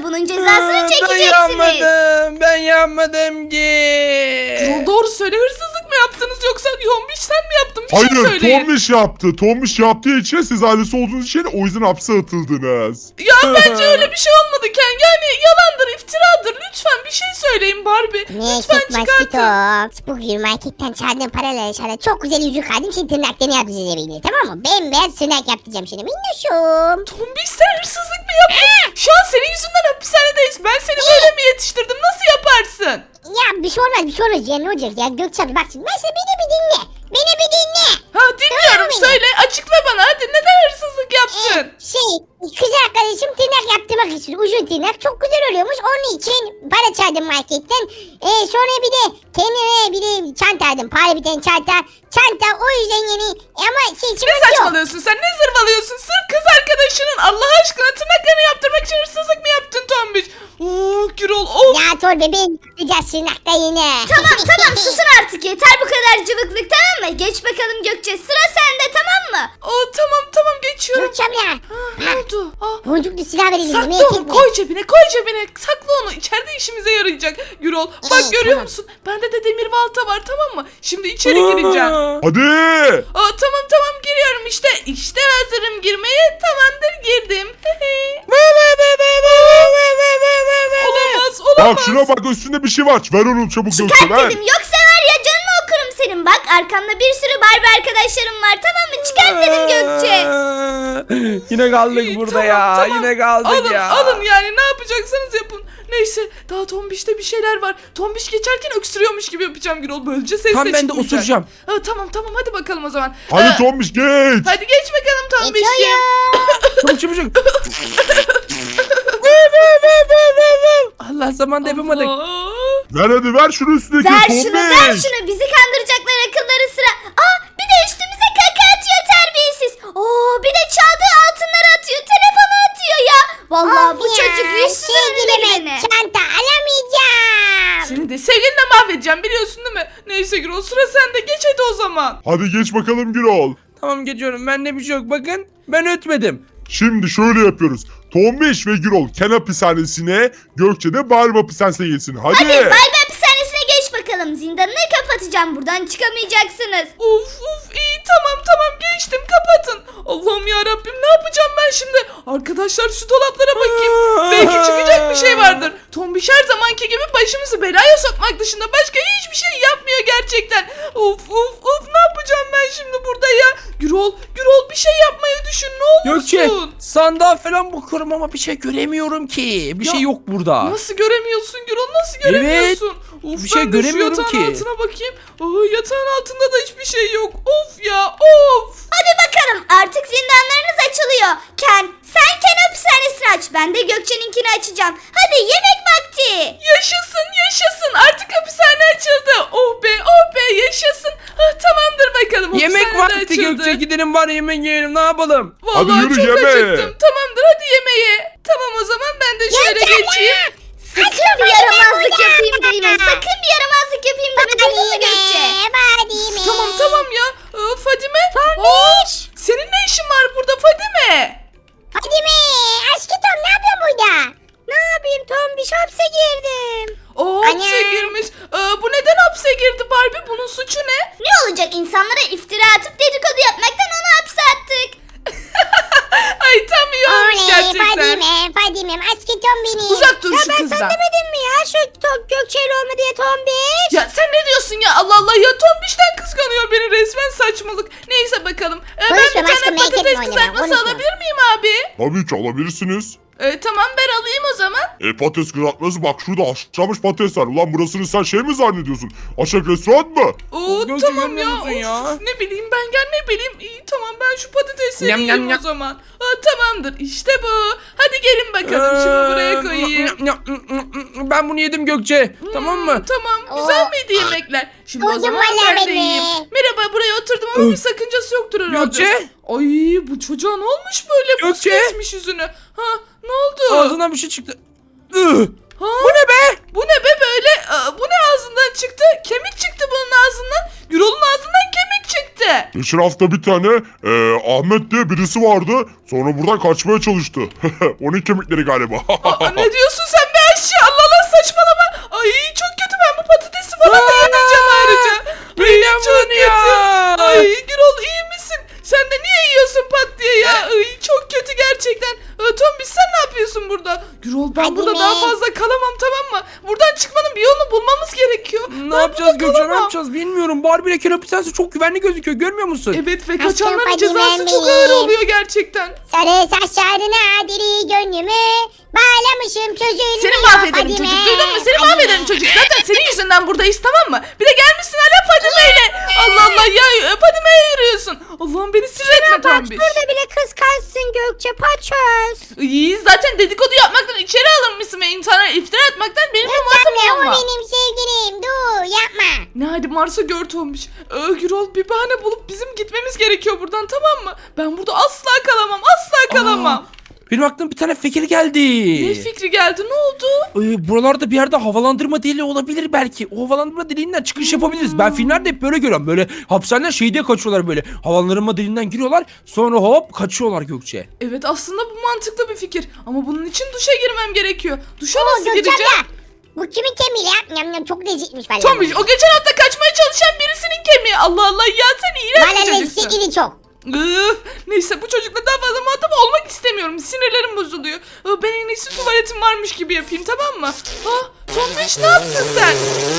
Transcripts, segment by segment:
bunun cezasını Ben çekeceksiniz. yapmadım. Ben yapmadım ki. Gürol doğru söyle, hırsızlık mı yaptınız yoksa Tombiş sen mi yaptın? Bir şey Hayır, söyleyin. Tombiş yaptı. Tombiş yaptığı için siz ailesi olduğunuz için o yüzden hapse atıldınız. Ya bence öyle bir şey olmadı Ken. Yani yalandır, iftiradır. Lütfen bir şey söyleyin Barbie. Lütfen çıkartın. Maskito. Bugün marketten çaldığım paraları sana çok güzel yüzük aldım. Şimdi tırnaklarını yapacağız evine, tamam mı? Bembeyaz tırnak yaptıracağım şimdi. Minnoşum. Tombiş sen hırsızlık mı yaptın? Şu an senin yüzünden hapishanedeyiz. Ben seni böyle mi yetiştirdim? Nasıl yaparsın? Ya bir şey olmaz, bir şey olmaz ya, ne olacak ya Gökçe abi, bak şimdi mesela beni bir dinle. Beni bir dinle. Ha dinliyorum, Tamam, söyle. Açıkla bana hadi, neden hırsızlık yaptın? Kız arkadaşım tırnak yaptırmak için, uzun tırnak çok güzel oluyormuş, onun için para çaldım marketten. Sonra bir de kendime bir de çanta aldım, pahalı bir tane çanta o yüzden yeni ama Ne sıkıntı yok. saçmalıyorsun sen? Ne zırvalıyorsun? Sırf kız arkadaşının Allah aşkına tırnaklarını yaptırmak için hırsızlık mı yaptın Tombiş? Gürol of. Ya Tor bebeğim, yapacağız tırnakta yine. Tamam susun artık, yeter bu kadar cıvıklık, tamam mı? Geç bakalım Gökçe, sıra sende, tamam mı? Tamam geçiyorum. Gökçe abla. Ne oldu? Boncuklu silah verelim. Sakla onu, koy cebine. Sakla onu, içeride işimize yarayacak Gürol. Bak görüyor tamam. musun? Bende de demir balta var, tamam mı? Şimdi içeri gireceğim. Hadi. Tamam giriyorum işte. İşte hazırım girmeye. Tamamdır, girdim. Olamaz. Bak şuna bak, üstünde bir şey var. Ver onu çabuk Gökçe, Çıkart ver. dedim, yoksa var ya canını okurum senin. Bak arkamda bir sürü Barbie arkadaşlarım var, tamam mı? Çıkart dedim Gökçe. Yine kaldık burada Tamam, ya. tamam. Yine kaldık ya. Alın yani, ne yapacaksanız yapın. Neyse, daha Tombiş'te bir şeyler var. Tombiş geçerken öksürüyormuş gibi yapacağım Gürol. Böylece ses Tam de ben de çıkmayacak. osuracağım. Tamam hadi bakalım o zaman. Hadi Tombiş geç. Hadi geç bakalım Tombiş'ciğim. Çabuk. Allah zamanda yapamadık. Allah. Ver hadi, ver şunu üstündeki Ver Tombiş. şunu, ver şunu. Bizi kandıracaklar akılları sıra. Bir de üstümüze kaka atıyor terbiyesiz. Bir de çaldığı altınları atıyor. Telefonu atıyor ya. Vallahi bu çocuk yüzsüzün önüne gidene. Çanta alamayacağım. Seni de sevgilinle mahvedeceğim, biliyorsun değil mi? Neyse Gürol, sıra sende. Geç hadi o zaman. Hadi geç bakalım Gürol. Tamam geçiyorum. Bende bir şey yok. Bakın ben ötmedim. Şimdi şöyle yapıyoruz. Tombiş ve Gürol Ken hapishanesine, Gökçe de Barbie hapishanesine geçsin. Hadi. Barbie hapishanesine geç bakalım. Zindanını kapatacağım. Buradan çıkamayacaksınız. Of iyi, tamam geçtim, kapatın. Allah'ım ya Rabbim, ne yapacağım ben şimdi? Arkadaşlar şu dolaplara bakayım. Belki çıkacak bir şey vardır. Tombiş her zamanki gibi başımızı belaya sokmak dışında başka hiçbir şey yapmıyor gerçekten. Of ne yapacağım ben şimdi burada ya? Gürol bir şey yapmayı düşün, ne olursun. Gökçe sandığa falan bakıyorum ama bir şey göremiyorum ki. Bir Ya, şey yok burada. Nasıl göremiyorsun Gürol, nasıl göremiyorsun? Bir şey ben de şu göremiyorum yatağın ki. altına bakayım. Yatağın altında da hiçbir şey yok. Of. Hadi bakalım, artık zindanlarınız açılıyor. Ken, sen Ken hapishanesini aç. Ben de Gökçe'ninkini açacağım. Hadi yemek vakti. Yaşasın, artık hapishane açıldı. Oh be yaşasın. Tamamdır bakalım. Yemek hapishane de vakti açıldı. Gökçe, gidelim var yemek yiyelim, ne yapalım? Vallahi Hadi yürü, çok yeme. acıktım. Tamamdır, hadi yemeğe. Tamam o zaman ben de şöyle geçeyim. Sakın bir yaramazlık yapayım deme. Sakın bir yaramazlık yapayım deme. Duydun mu Gökçe? Tamam ya. Fadime. Senin ne işin var burada Fadime? Fadime, aşkı Tom ne yapıyorsun burada? Ne yapayım Tom, bir hapse girdim. Hapse Ana. girmiş. Bu neden hapse girdi Barbie? Bunun suçu ne? Ne olacak, insanlara iftira atıp dedikodu yapmaktan onu hapse attık. Ay tam iyi olmuş gerçekten. Fadime, aşkı Tom benim. Uzak dur şu kızdan. Demedin mi ya şu Gökçe'yle olma diye Tombiş? Ya sen ne diyorsun ya? Allah Allah ya, Tombiş'ten kıskanıyor beni resmen, saçmalık. Neyse bakalım. Ben Konuşma, bir tane başka merak patates etme, kızartması konuşma. alabilir miyim abi? Tabii ki alabilirsiniz. Tamam, ben alayım o zaman. Patates kızartması, bak şurada haşlanmış patates var. Ulan burasını sen şey mi zannediyorsun? Aşak restoran mı? Gökçe Tamam görmüyor ya. musun ya? Ne bileyim ben ya, ne bileyim. İyi tamam, ben şu patatesi Yam, yiyeyim yam, o yam. zaman. Tamamdır işte bu. Hadi gelin bakalım, şimdi buraya koyayım. Ben bunu yedim Gökçe. Tamam mı? Tamam, güzel miydi yemekler? Şimdi o Doydum zaman vallahi ben de beni. yiyeyim. Merhaba, buraya oturdum ama bir sakıncası yoktur herhalde. Gökçe? Ay bu çocuğa ne olmuş böyle? Buz Gökçe? kesmiş yüzünü. Ne oldu? Ağzından bir şey çıktı. Ih! Ha? Bu ne be? Bu ne be böyle? Bu ne ağzından çıktı? Kemik çıktı bunun ağzından. Gürol'un ağzından kemik çıktı. işte. Geçen hafta bir tane Ahmet diye birisi vardı. Sonra buradan kaçmaya çalıştı. Onun kemikleri galiba. Aa, ne diyorsun sen be aşçı? Allah Allah saçmalama. Ay çok kötü, ben bu patatesi falan da yemeyeceğim ayrıca. Ay çok kötü. Ay Gürol iyi misin? Sen de niye yiyorsun pat diye ya? Ay çok kötü gerçekten. Tombiş sen ne yapıyorsun burada? Gürol ben Hadi burada be. daha fazla kalamam, tamam mı? Buradan çıkmanın bir yolunu bulmamız gerekiyor. Ne yapacağız Gökçe, ne yapacağız bilmiyorum. Barbie ile Ken hapishanesi çok güvenli gözüküyor, görmüyor musun? Evet ve Aşkım, kaçanların hadi cezası çok Mehmet. ağır oluyor gerçekten. Sarı saçlarına diri gönlümü bağlamışım çocuğunu. Seni mahvederim çocuk, duydun mu? Seni mahvederim çocuk. Zaten senin yüzünden buradayız, tamam mı? Bir de gelmişsin hala Fadime ile. Allah Allah ya, Fadime'ye yürüyorsun. Allah'ım beni sinir etme Tombiş. Burada bile kıskançsın Gökçe paçöz. İyi, zaten dedikodu yapmaktan içeri alınmışsın ve insana iftira atmaktan benim muhatabım Gökçemle o olma. benim sevgilim. Dur yapma. Ne hadi Mars'a gör Tombiş. Gürol bir bahane bulup bizim gitmemiz gerekiyor buradan, tamam mı? Ben burada asla kalamam, asla kalamam. Benim aklıma bir tane fikir geldi. Ne fikri geldi, ne oldu? Buralarda bir yerde havalandırma deliği olabilir belki. O havalandırma deliğinden çıkış yapabiliriz. Ben filmlerde hep böyle görüyorum. Böyle hapishaneden şey diye kaçıyorlar böyle. Havalandırma deliğinden giriyorlar. Sonra hop kaçıyorlar Gökçe. Evet aslında bu mantıklı bir fikir. Ama bunun için duşa girmem gerekiyor. Duşa Oo, nasıl Gökçe gireceğim? abla. Bu kimin kemiği ya? Yam yam çok lezzetmiş valla. Tombiş o geçen hafta kaçmaya çalışan birisinin kemiği. Allah Allah ya, sen iğrenç Valla bir çocuksun. lezzetli çok. Neyse bu çocukla daha fazla muhatap olmak istemiyorum. Sinirlerim bozuluyor. Ben en iyisi tuvaletim varmış gibi yapayım, tamam mı? Tombiş ne yaptın sen?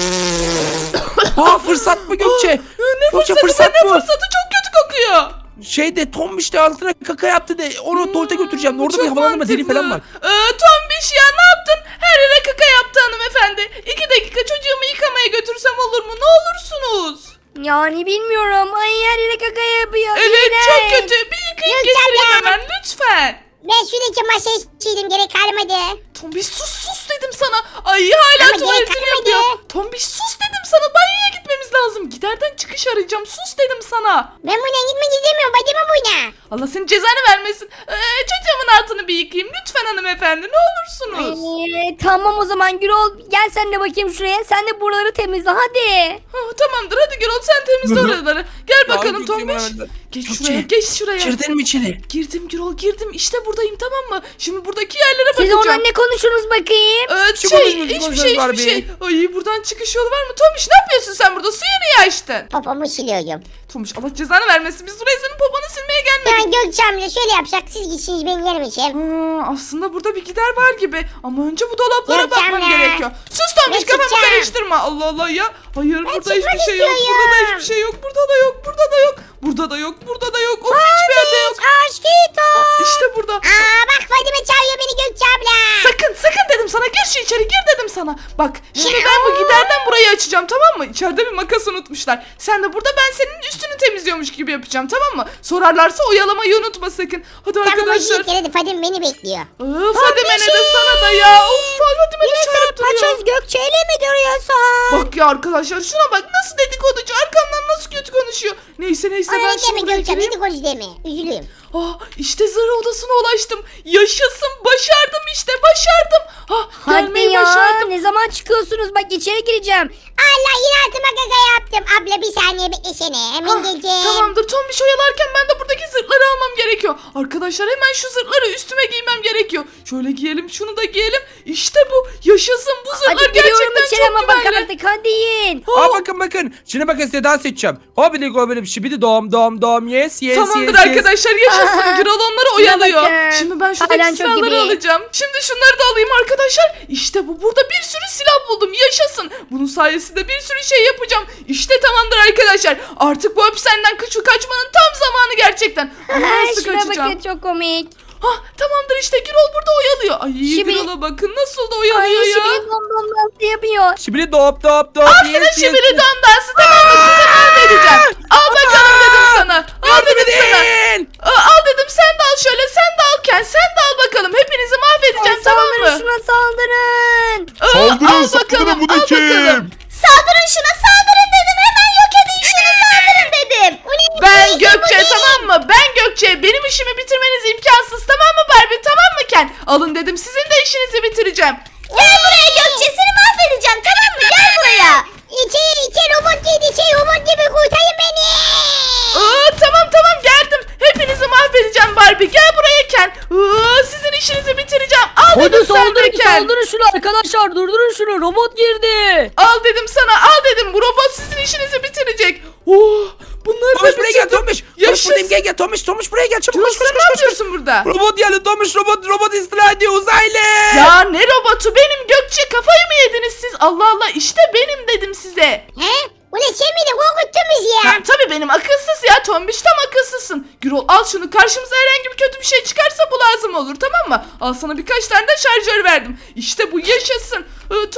Fırsat mı Gökçe? Ne Gökçe, fırsatı be, ne mı? fırsatı, çok kötü kokuyor. Şeyde Tombiş de altına kaka yaptı de onu tuvalete götüreceğim. Orada bir Çok havalandırma deliği falan var. mantıklı. Tombiş ya ne yaptın? Her yere kaka yaptı hanımefendi. 2 dakika çocuğumu yıkamaya götürsem olur mu? Ne olursunuz? Yani bilmiyorum. Ay her yere kaka yapıyor. Evet İğrenç. çok kötü. Bir yıkayıp Gökçen getireyim ya. hemen lütfen. Ben şuradaki masaya çiğdim gerek kalmadı. Tombiş sus dedim sana. Ay hala Ama tuvaletini gerek yapıyor. kalmadı. Tombiş sus dedim sana. Banyoya gitmemiz lazım. Giderden çıkış arayacağım. Sus dedim sana. Ben buna gitmek istemiyorum. Bacıma buna. Allah senin cezanı vermesin. Çocuğumun altını bir yıkayayım. Lütfen hanımefendi ne olursunuz. Tamam o zaman Gürol gel sen de bakayım şuraya. Sen de buraları temizle hadi. Tamamdır hadi Gürol sen temizle oraları. Gel bakalım Gökçe, Tombiş. bana- Geç Gökçe, şuraya, geç şuraya. Girdin mi içeri? Girdim Gürol girdim. İşte buradayım, tamam mı? Şimdi buradaki yerlere Siz bakacağım. oradan ne konuşursunuz bakayım? Hiçbir şey. Ay buradan çıkış yolu var mı? Tombiş ne yapıyorsun sen burada? Suyu niye açtın? Popomu siliyorum. Tombiş Allah cezanı vermesin. Biz buraya senin poponu silmeye gelmedik. Ya Gökçe abla şöyle yapsak siz gitsiniz ben yerim içeyim. Aslında burada bir gider var gibi. Ama önce bu dolaplara Yok bakmam canım. gerekiyor. Sus Tombiş Ne kafamı çıkacağım? karıştırma. Allah Allah ya. Hayır burada çıkmak hiçbir şey yok. istiyorum. Burada da hiçbir şey yok. Burada da yok. Burada da yok. Burada da yok. Burada da yok. Of hiçbir yerde yok. Aşkito. İşte burada. Aa bak Fadime çağırıyor beni Gökçe abla. Sakın dedim sana, gir şu içeri gir dedim sana. Bak şimdi ben bu giderden burayı açacağım, tamam mı? İçeride bir makas unutmuşlar. Sen de burada ben senin üstünü temizliyormuş gibi yapacağım, tamam mı? Sorarlarsa oyalamayı unutma sakın. Hadi Tamam arkadaşlar. hoş hadi Fadime beni bekliyor. Fadime ne de sana da ya. Of Fadime de çağırıp duruyor. Gökçe ile mi duruyorsun? Bak ya arkadaşlar şuna bak nasıl dedikoducu, arkamdan nasıl kötü konuşuyor. Neyse ben Öyle deme şimdi buraya Gökçe gireyim. beni konuş deme. Üzülüyorum. İşte zırh odasına ulaştım. Yaşasın, başardım işte, başardım. Hadi Gelmeyi ya başardım. ne zaman çıkıyorsunuz bak içeri gireceğim. Allah yine altıma kaka yaptım. Abla bir saniye beklesene. Hemen geleceğim. Tamamdır Tombiş oyalarken ben de buradaki zırhları almam gerekiyor. Arkadaşlar hemen şu zırhları üstüme giymem gerekiyor. Şöyle giyelim, şunu da giyelim. İşte bu, yaşasın, bu zırhlar Hadi giriyorum gerçekten içeri ama çok bak güvenli. artık hadi yiyin. Bakın. Şimdi bakın size dans edeceğim. Hobili gobili şibidi dom yes. Tamamdır yes. arkadaşlar yaşasın. Gürol onları oyalıyor. bakın. Şimdi ben şuradaki Halen çok silahları gibi. alacağım. Şimdi şunları da alayım arkadaşlar. İşte bu, burada bir sürü silah buldum. Yaşasın. Bunun sayesinde bir sürü şey yapacağım. İşte tamamdır arkadaşlar. Artık bu hapishaneden kaçmanın tam zamanı gerçekten. Ama nasıl Şuna kaçacağım? bakın çok komik. Tamamdır işte Gürol burada oyalıyor. Ay Şibi- Gürol'a bakın nasıl da Ay oyalıyor ya. şimdi dom nasıl yapıyor. Şibidi dop. Sana şibili don dansı, tamam mı? Size mahvedeceğim. Al bakalım dedim sana. Al dedim sana. Al dedim sen de al şöyle, sen de al Ken, sen de al bakalım. Hepinizi mahvedeceğim, tamam Saldırın mı? şuna saldırın. Saldırın bu da kim? Saldırın şuna saldırın dedim. Hemen yok edin şunu saldırın dedim. Ben Gökçe, tamam mı? Ben Gökçe. Benim işimi bitirmeniz imkansız, tamam mı Barbie, tamam mı Ken? Alın dedim, sizin de işinizi bitireceğim. Gel buraya Gökçe seni mahvedeceğim tamam mı? Gel buraya. İçeri robot girdi. İçeri robot gibi kurtarın beni. Tamam geldim. Hepinizi mahvedeceğim Barbie. Gel buraya Ken. Sizin işinizi bitireceğim. Al Hadi dedim sen de saldırın Ken. saldırın şunu arkadaşlar durdurun şunu robot girdi. Al dedim sana, al dedim. Bu robot sizin işinizi bitirecek. Bunları Tomiş da buraya gel bitirdim. Tomiş. Tomiş Yaşasın. buradayım gel Tomiş buraya gel çabuk Gürol, koş koş sen ne koş. koş. yapıyorsun burada? Robot geldi Tomiş robot istila ediyor uzaylı. Ya ne robotu, benim Gökçe, kafayı mı yediniz siz? Allah Allah, işte benim dedim size. He? Ulan sen miydin? Korkuttun bizi ya. Ya, tabii benim akılsız ya Tombiş, tam akılsızsın. Gürol al şunu, karşımıza herhangi bir kötü bir şey çıkarsa bu lazım olur, tamam mı? Al sana birkaç tane de şarjör verdim. İşte bu yaşasın.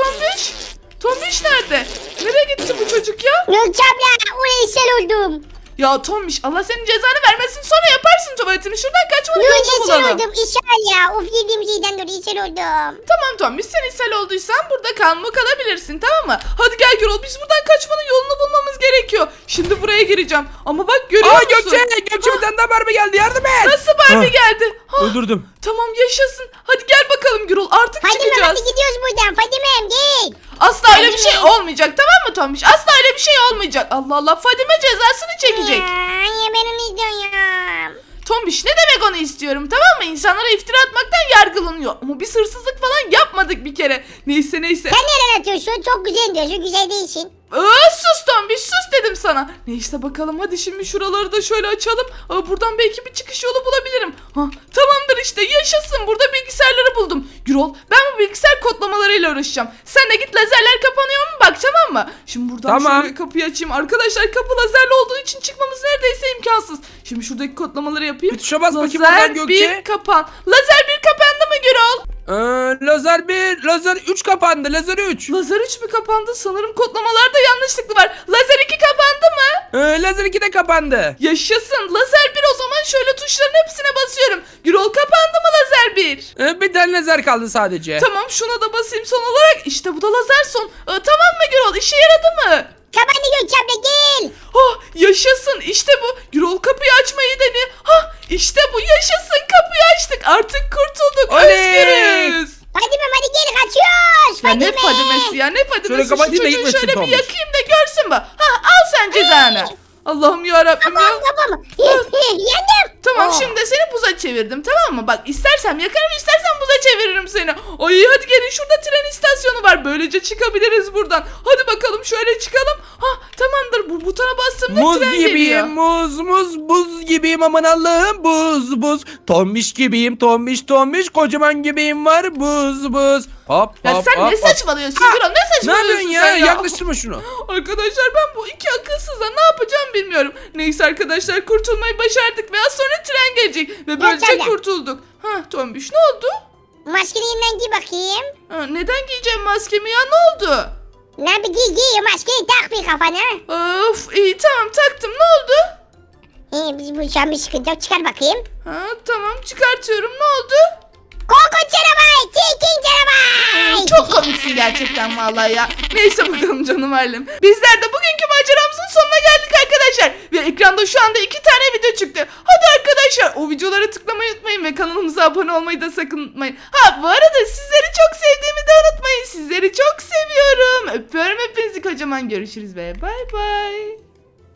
Tombiş nerede? Nereye gitti bu çocuk ya? Gökçe abla ulan ishal oldum. Ya Tombiş, Allah senin cezanı vermesin, sonra yaparsın tuvaletini. Şuradan kaçmanın Yok yolunu ishal bulalım. oldum ishal ya. Of yediğim şeyden dolayı ishal oldum. Tamam Tombiş, sen ishal olduysan burada kalabilirsin, tamam mı? Hadi gel Gürol, biz buradan kaçmanın yolunu bulmamız gerekiyor. Şimdi buraya gireceğim. Ama bak görüyor Aa musun? Gökçe bir tane daha Barbie geldi yardım et. Nasıl Barbie geldi? Öldürdüm. Tamam yaşasın. Hadi gel bakalım Gürol, artık Fadime çıkacağız. hadi gidiyoruz buradan. Fadime'm gel. Asla öyle bir şey Fadime. olmayacak, tamam mı Tombiş? Asla öyle bir şey olmayacak. Allah Allah, Fadime cezasını çekecek. Ya ben onu istiyorum. Tombiş ne demek onu istiyorum, tamam mı? İnsanlara iftira atmaktan yargılanıyor. Ama biz hırsızlık falan yapmadık bir kere. Neyse. Sen nereden atıyorsun? Çok güzel diyorsun. Güzel değilsin. Sus Tombiş, sus dedim sana. Neyse bakalım, hadi şimdi şuraları da şöyle açalım. Buradan belki bir çıkış yolu bulabilirim. Tamamdır işte, yaşasın, burada bilgisayarları buldum. Gürol, ben bu bilgisayar kodlamalarıyla uğraşacağım. Sen de git lazerler kapanıyor mu bak, tamam mı? Şimdi buradan Tamam. şöyle kapıyı açayım. Arkadaşlar kapı lazerli olduğu için çıkmamız neredeyse imkansız. Şimdi şuradaki kodlamaları yapayım. Bir tuşa bas bakayım Lazer oradan Gökçe. 1 kapan. Lazer 1 kapandı mı Gürol? Lazer 1, lazer 3 kapandı. Lazer 3. Lazer 3 mü kapandı? Sanırım kodlamalarda yanlışlıkla var. Lazer 2 kapandı mı? Lazer 2 de kapandı. Yaşasın. Lazer 1, o zaman şöyle tuşların hepsine basıyorum. Gürol, kapandı mı lazer 1? Bir tane lazer kaldı sadece. Tamam, şuna da basayım son olarak. İşte bu da lazer son. Tamam mı Gürol? İşe yaradı mı? Kapandı Gökçe abla gel. Yaşasın, işte bu. Gürol kapıyı açmayı deniyor. İşte bu, yaşasın, kapıyı açtık. Artık kurtulduk. Oley! Özgürüz. Fadime'm hadi gel kaçıyoruz. Ya ne Fadime. Fadimesi ya, ne Fadimesi? Şöyle Şu kapatayım da çocuğu gitmesin şöyle bir Tombiş. yakayım da görsün bu. Al sen cezanı. Allah'ım yarabbim ya. Tamam. Yendim. Tamam, Oh. şimdi seni buza çevirdim, tamam mı? Bak, istersem yakarım, istersen buza çeviririm seni. Ay hadi gelin, şurada tren istasyonu var. Böylece çıkabiliriz buradan. Hadi bakalım şöyle çıkalım. Tamamdır, bu butona bastığımda Muz tren gibiyim, geliyor. muz buz gibiyim aman Allah'ım buz. Tombiş gibiyim, tombiş kocaman gibiyim var buz. Hop Ya hop sen hop. ne hop. saçmalıyorsun Gürol, ne Ne saçmalıyorsun yapıyorsun ya? sen ya? Yaklaştırma şunu. Arkadaşlar, ben bu iki akılsızla ne yapacağım bilmiyorum. Neyse arkadaşlar, kurtulmayı başardık ve az sonra tren gelecek. Ve böylece Yaşa. kurtulduk. Tombiş ne oldu? Maskeni yeniden giy bakayım. Neden giyeceğim maskemi ya, ne oldu? Ne bir giy maskeyi tak bir kafana. Of, iyi tamam, taktım, ne oldu? Biz bu şu an bir sıkıntı yok. Çıkar bakayım. Tamam, çıkartıyorum, ne oldu? Korkunç canavar. Çirkin canavar. Çok komiksin gerçekten vallahi ya. Neyse bakalım canım ailem. Bizler de bugünkü maceramızın sonuna geldik arkadaşlar. Ve ekranda şu anda 2 tane video çıktı. Hadi arkadaşlar, o videolara tıklamayı unutmayın ve kanalımıza abone olmayı da sakın unutmayın. Bu arada sizleri çok sevdiğimi de unutmayın. Sizleri çok seviyorum. Öpüyorum hepinizi kocaman. Görüşürüz ve bay bay.